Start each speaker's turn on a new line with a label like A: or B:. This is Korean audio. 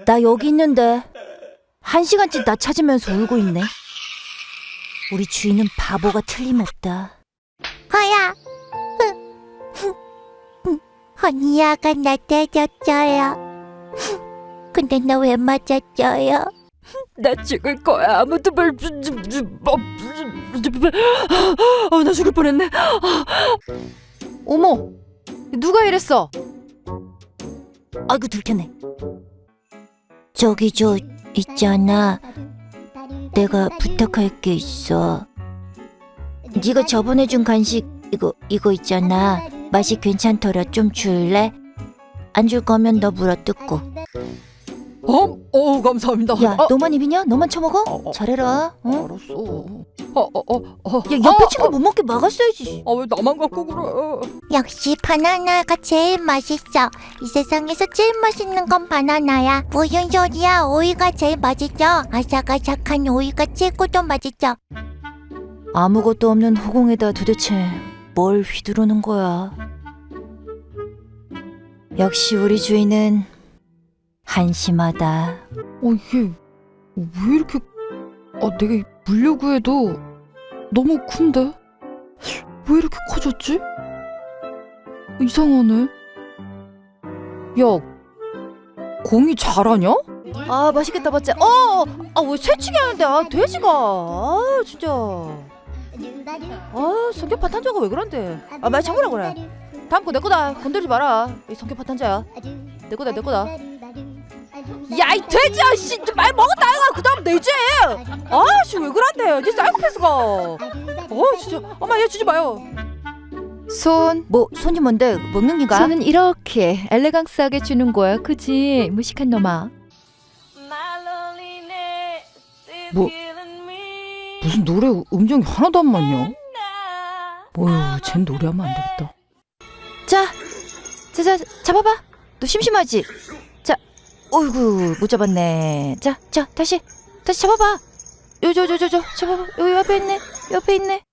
A: 나 여기 있는데 1시간째 나 찾으면서 울고 있네. 우리 주인은 바보가 틀림없다.
B: 허야. 허니야가 나 때렸어요. 근데 나 왜 맞았어요?
A: 나 죽을 거야. 아무도 나 죽을 뻔했네.
C: 어머, 누가 이랬어?
A: 아이고 들켰네. 저기 저 있잖아. 내가 부탁할 게 있어. 네가 저번에 준 간식 이거 있잖아. 맛이 괜찮더라. 좀 줄래? 안 줄 거면 너 물어뜯고.
C: 감사합니다.
A: 야, 너만 입이냐? 너만 처먹어? 잘해라. 어?
C: 알았어.
A: 야, 옆에 친구 못 먹게 막았어야지.
C: 왜 나만 갖고 그래?
B: 역시 바나나가 제일 맛있어. 이 세상에서 제일 맛있는 건 바나나야. 무슨 소리야? 오이가 제일 맛있죠. 아삭아삭한 오이가 최고도 맛있죠.
A: 아무것도 없는 허공에다 도대체 뭘 휘두르는 거야? 역시 우리 주인은 한심하다.
C: 이게 왜 이렇게 내가 물려고 해도 너무 큰데? 왜 이렇게 커졌지? 이상하네. 야, 공이 잘하냐?
A: 아, 맛있겠다, 맞지? 왜 새치기 하는데? 돼지가. 진짜. 성격 파탄자가 왜 그런데? 말 참으라 그래. 다음 거 내 거다. 건드리지 마라. 이 성격 파탄자야. 내 거다. 야, 이 돼지야, 씨, 말 먹었다 이거. 그다음 내지. 씨, 왜 그런데? 니 사이코패스가. 진짜. 엄마, 얘 주지 마요.
C: 손.
A: 뭐 손이 뭔데? 먹는 기가?
C: 손은 이렇게 엘레강스하게 주는 거야, 그지? 무식한 놈아.
A: 뭐 무슨 노래 음정이 하나도 안 맞냐? 어휴, 쟨 노래하면 안 되겠다. 자, 잡아봐. 너 심심하지? 자, 어이구, 못 잡았네. 자, 다시 잡아봐. 저, 잡아봐. 여기 옆에 있네.